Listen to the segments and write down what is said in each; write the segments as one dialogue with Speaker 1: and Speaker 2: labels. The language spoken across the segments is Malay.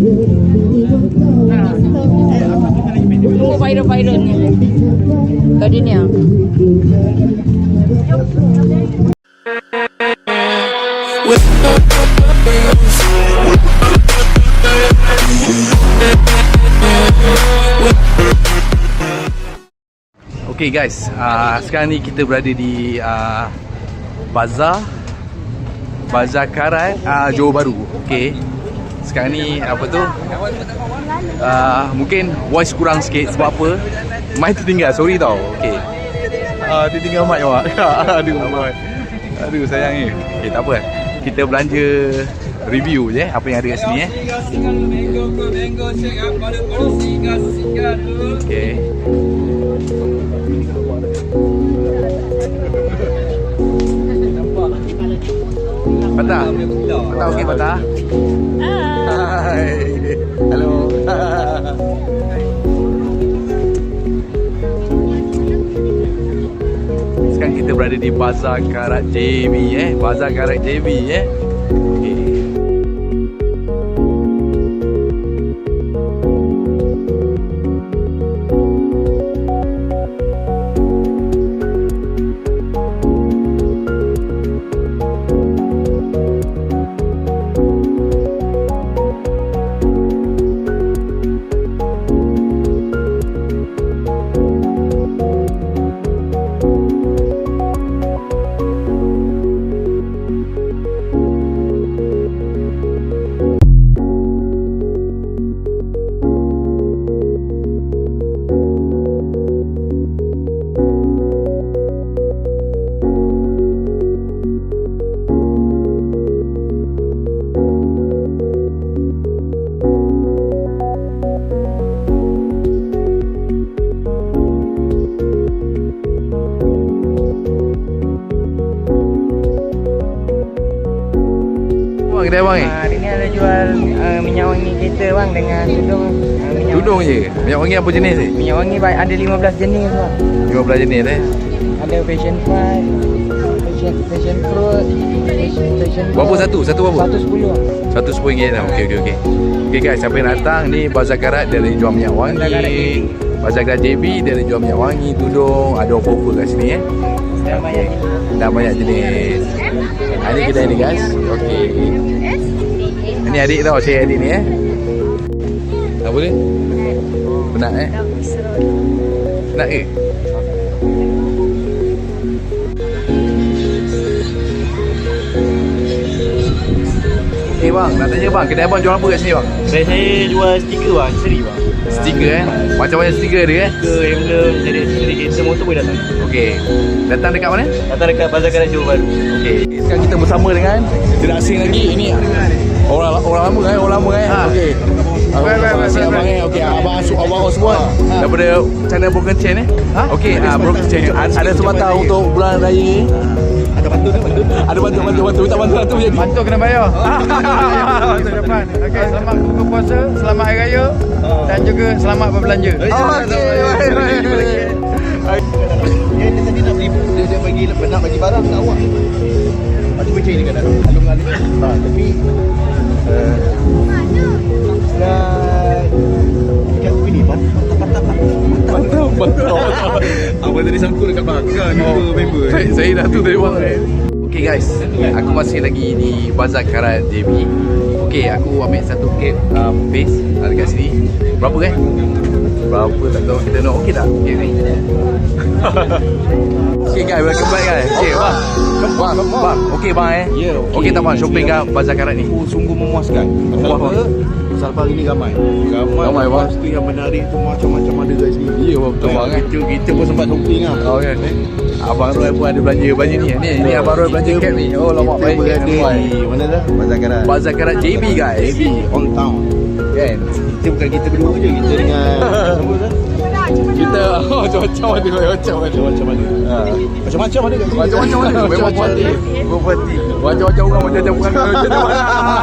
Speaker 1: Tunggu viral-viral ni. Tadi ni
Speaker 2: Okay guys, sekarang ni kita berada di Bazar Karat, Johor Bahru. Okay, sekarang ni apa tu, mungkin voice kurang sikit. Sebab apa? Mai tertinggal, sorry tau. Okay, tertinggal mic awak. Aduh sayang ni. Okay, tak apa, kita belanja review je apa yang ada kat sini Okay. Patah? Patah okey Patah? Hai. Hello. Sekarang kita berada di Bazar Karat JB Bazar Karat JB Okay. Kedai bang ni?
Speaker 3: Hari ni ada jual minyak wangi kereta bang dengan tudung.
Speaker 2: Tudung je? Minyak wangi apa jenis ni?
Speaker 3: Minyak wangi ada 15 jenis bang.
Speaker 2: 15 jenis
Speaker 3: Ada passion fruit, passion fruit, passion
Speaker 2: berapa satu? Satu berapa?
Speaker 3: 110.
Speaker 2: RM110 lah. Okey. Okay guys, siapa yang datang ni Bazar Karat, dia ada jual minyak wangi. Bazar Karat JB, dia ada jual minyak wangi, tudung, ada offer kat sini Dah banyak jenis. Ini kedai ni guys. Okey. Ini adik tau, saya adik ni Apa dia? Penat Penat ke? Okey bang, nak tanya bang, kedai abang jual apa kat sini bang?
Speaker 4: Kedai saya jual stiker bang, seri bang.
Speaker 2: Stiker macam-macam stiker dia
Speaker 4: Stiker, emblem, jadi kereta motor boleh datang.
Speaker 2: Okey. Datang dekat mana?
Speaker 4: Datang dekat Bazar Karat Johor Bahru.
Speaker 2: Okey. Sekarang kita bersama dengan tidak asing lagi, ini orang lama Okey. Abang okey, abang semua daripada channel Broken Chain Okey, Broken Chain ada semata untuk bulan raya. Ada bantu. Minta bantu tu jadi.
Speaker 3: Bantu kena bayar. Bantu depan. Okey, selamat buka puasa, selamat hari raya dan juga selamat berbelanja.
Speaker 4: Dia tadi nak beli, dia bagi nak bagi barang kat awak. Pasti macam ni kan alung-alung. Tapi ikan ini mantap. Abang tadi sangkut dekat belakang member.
Speaker 2: Saya dah tu dari bang. Okay guys, aku masih lagi di Bazar Karat JB. Okay, aku ambil satu kek paste dekat sini. Berapa Berapa tak tahu, kita nak okey tak? Okay Okay guys, welcome back guys. Okay bang, okey bang okey tak bang shopping kat Bazar Karat ni?
Speaker 4: Sungguh memuaskan. Pasal hari ni ramai
Speaker 2: bang.
Speaker 4: Pasti yang menarik tu macam-macam ada kat sini.
Speaker 2: Ya betul bang
Speaker 4: Kita pun sempat shopping lah.
Speaker 2: Oh kan. Abang Roy pun ada belanja baju ni. Ni Abang Roy belanja cap ni. Oh lama baik.
Speaker 4: Kita berada di mana dah?
Speaker 2: Bazar Karat JB guys.
Speaker 4: JB on town.
Speaker 2: Kan?
Speaker 4: Kita bukan kita berdua je, kita dengan siapa dah?
Speaker 2: Kita macam-macam ada.
Speaker 4: Macam-macam ada kat sini.
Speaker 2: Macam-macam ada. Memang parti. Macam-macam orang macam-macam bukan macam mana.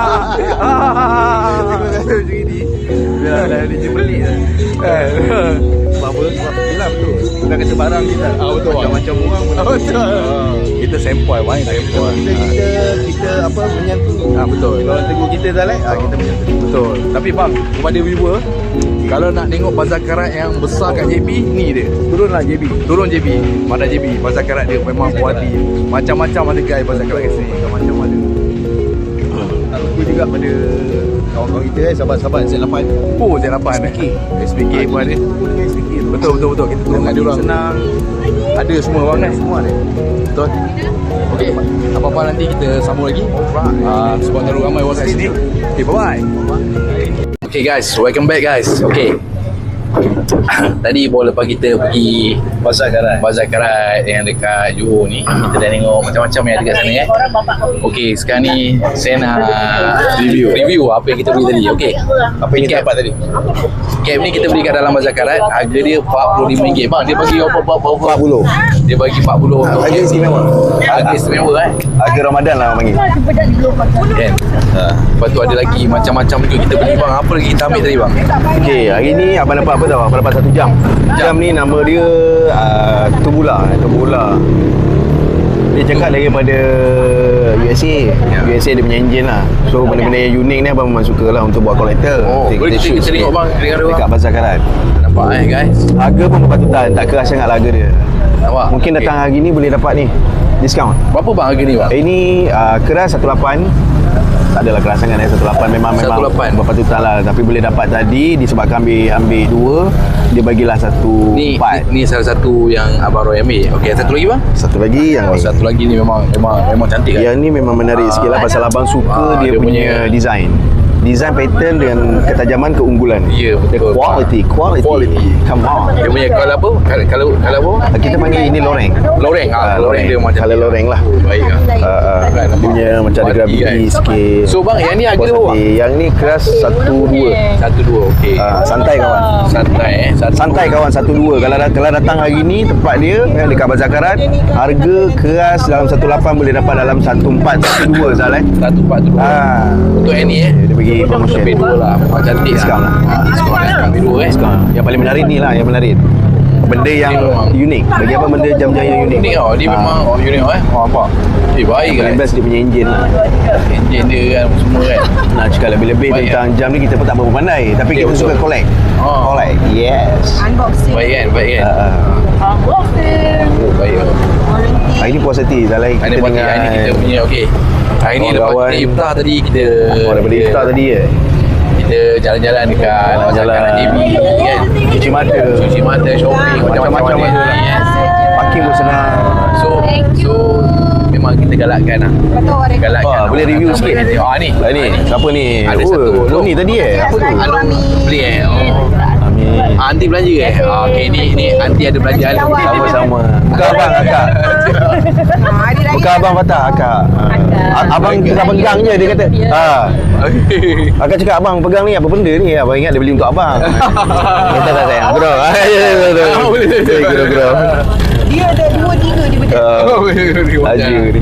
Speaker 2: Macam ni. Biar dia pelik dah.
Speaker 4: Sebab apa? Sebab yelah betul. bukan kata barang kita.
Speaker 2: Betul.
Speaker 4: Macam-macam orang pun.
Speaker 2: Betul. Kita sempoi bang, sempoi.
Speaker 4: Kita apa menyantuni.
Speaker 2: Betul.
Speaker 4: Kalau orang tegur kita dah kita menyantuni.
Speaker 2: Betul. Tapi bang, kepada viewer, kalau nak tengok Bazar Karat yang besar kat JB, ni dia. Turunlah JB. Turun JB. Mana JB? Bazar Karat dia memang puas hati. Macam-macam ada guys Bazar Karat kat sini. Macam-macam ada.
Speaker 4: Aku juga pada kawan-kawan kita sahabat-sahabat Z8.
Speaker 2: Oh, Z8 SPK pun ada. Betul. Kita turun dengan diorang.
Speaker 4: Senang.
Speaker 2: Ada semua bang kan?
Speaker 4: Semua ada.
Speaker 2: Betul. Okey, apa-apa nanti kita sambung lagi. Sebab terlalu ramai orang kat sini. Okay, bye-bye. Okay guys, welcome back guys. Okay. Tadi baru lepas kita pergi
Speaker 4: Bazar
Speaker 2: Karat yang dekat Johor ni, kita dah tengok macam-macam yang ada kat sana Okey, sekarang ni saya nak review apa yang kita beli tadi. Okey.
Speaker 4: Apa yang kita dapat tadi?
Speaker 2: Cap ni kita beli kat dalam Bazar Karat, harga dia RM45 bang. Dia bagi berapa?
Speaker 4: 40.
Speaker 2: Dia bagi 40.
Speaker 4: Harga istimewa.
Speaker 2: Harga istimewa
Speaker 4: Harga Ramadan lah orang panggil.
Speaker 2: Kan? Lepas tu ada lagi macam-macam juga kita beli bang. Apa lagi kita ambil tadi bang?
Speaker 4: Okey, hari ni abang dapat apa tau? Abang dapat 1 jam. Jam ni nama dia Turbula. Dia cakap daripada USA. USA dia punya engine lah. So benda-benda yang unik ni abang memang suka lah untuk buat collector.
Speaker 2: Boleh kita tengok bang
Speaker 4: dekat Bazar Karat.
Speaker 2: Nampak guys.
Speaker 4: Harga pun berpatutan, tak keras sangat harga dia.
Speaker 2: Nampak?
Speaker 4: Mungkin datang hari ni boleh dapat ni diskaun.
Speaker 2: Berapa bang harga ni bang?
Speaker 4: Ini keras 18. Tak adalah keras sangat 18 memang
Speaker 2: 18.
Speaker 4: berpatutan lah. Tapi boleh dapat tadi disebabkan ambil 2, dia bagilah 1/4.
Speaker 2: Ni salah satu yang abang Roy ambil. Okey, satu lagi bang?
Speaker 4: Satu lagi yang ni.
Speaker 2: Satu lagi ni memang cantik kan?
Speaker 4: Yang ni memang menarik sikit lah pasal abang suka dia punya design pattern dengan ketajaman keunggulan.
Speaker 2: Ya, betul.
Speaker 4: Quality. Come on.
Speaker 2: Dia punya kalau apa? Kalau apa?
Speaker 4: Kita panggil ini loreng.
Speaker 2: Loreng dia macam
Speaker 4: Kalau loreng lah.
Speaker 2: Baik lah.
Speaker 4: Dia punya macam ada gravity sikit.
Speaker 2: So bang, yang ni harga berapa?
Speaker 4: Yang ni keras 1/2.
Speaker 2: 1/2, okey.
Speaker 4: Santai kawan. Santai kawan 1/2. Kalau datang hari ni tempat dia yang dekat Bazar Karat, harga keras dalam 18 boleh dapat dalam 14, 1/2 Zal
Speaker 2: 1/4. Untuk yang ni
Speaker 4: dia bagi promotion.
Speaker 2: lebih 2 lah. Memang cantik
Speaker 4: Diskaun lah.
Speaker 2: Diskaun ambil 2
Speaker 4: Diskaun. Yang paling menarik ni lah yang menarik. Benda yang unik. Bagi apa benda jam-jam yang unik?
Speaker 2: Unik tau. Dia memang unik tau nampak. Baik kan.
Speaker 4: Paling best dia punya enjin lah.
Speaker 2: Enjin dia kan semua kan.
Speaker 4: Nak cakap lebih-lebih tentang jam ni kita pun tak berapa pandai. Tapi kita suka collect. Collect. Yes.
Speaker 2: Baik kan. Baik kan.
Speaker 4: Hari ni puas hati. Dah lain
Speaker 2: Hari
Speaker 4: kita
Speaker 2: ni kita punya okey. Hari ni lepas kita iftar tadi kita
Speaker 4: daripada iftar tadi
Speaker 2: kita jalan-jalan dekat Bazar Karat JB kan.
Speaker 4: Cuci mata,
Speaker 2: shopping macam-macam ada kan.
Speaker 4: Parking pun senang.
Speaker 2: So memang kita galakkan lah. Galakkan.
Speaker 4: Boleh review sikit?
Speaker 2: Ni.
Speaker 4: Ni. Siapa ni?
Speaker 2: Ada satu.
Speaker 4: Ni tadi apa tu?
Speaker 2: Beli
Speaker 4: Amin.
Speaker 2: Aunty belanja okey ni aunty ada belanja
Speaker 4: Sama-sama. Bukan abang, akak. Bukan abang patah, akak. Abang tengah pegang je dia kata. Akak cakap abang pegang ni apa benda ni? Abang ingat dia beli untuk abang. Kata tak sayang. Bro. Bro.
Speaker 1: Dia ada 2-3 dia betul.
Speaker 4: Laju ni.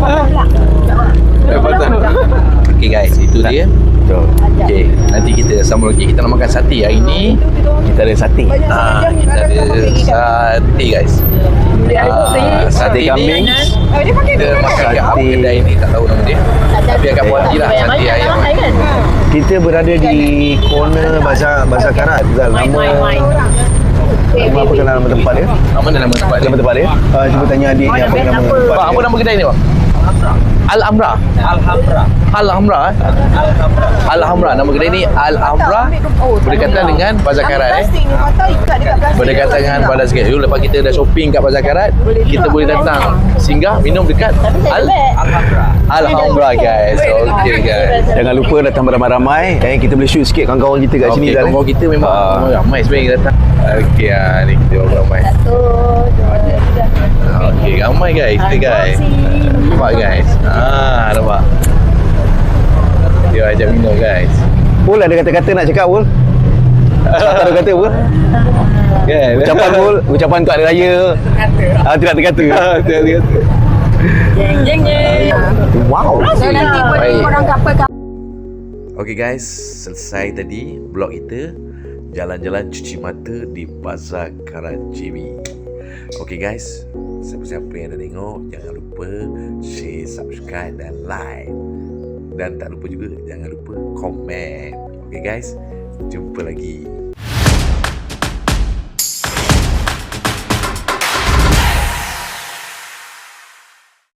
Speaker 2: okey guys, itu dia. Okey, nanti kita sambung lagi. Kita nak makan sate hari ni.
Speaker 4: Kita ada sate.
Speaker 2: Kita ada sate guys. Sate kambing. Kita makan kat apa kedai ni tak tahu nama dia. Tapi agak puas hati lah sate ayam.
Speaker 4: Kita berada di corner Bazar Karat. Nama apa kenal nama tempat dia?
Speaker 2: Apa nama tempat dia?
Speaker 4: Nama tempat dia? Cuba tanya adik ni apa nama tempat
Speaker 2: Bang, apa nama kedai ni bang? Al-Hamra. Al-Hamra. Nama kedai ni Al-Hamra. Berdekatan dengan Bazar Karat Berdekatan dengan Bazar Karat. Dulu lepas kita dah shopping kat Bazar Karat, kita boleh datang singgah minum dekat Al-Hamra guys. Okey guys.
Speaker 4: Jangan lupa datang beramai-ramai. Kita boleh shoot sikit kawan-kawan kita kat sini.
Speaker 2: Kawan-kawan kita memang ramai sebenarnya kita datang. Okey ni kita ramai. Okey, ramai guys. Nampak guys. Nampak. Dia ajak minum guys.
Speaker 4: Pul ada kata-kata nak cakap Pul? Tak ada kata Pul?
Speaker 2: Kan?
Speaker 4: Ucapan Pul? Ucapan untuk hari raya? Tidak terkata.
Speaker 1: Jeng.
Speaker 4: Wow.
Speaker 1: So nanti korang kapal.
Speaker 2: Okey guys, selesai tadi vlog kita jalan-jalan cuci mata di Bazar Karat JB. Okay guys, siapa-siapa yang dah tengok, jangan lupa share, subscribe dan like. Dan tak lupa juga, jangan lupa komen. Okay guys, jumpa lagi.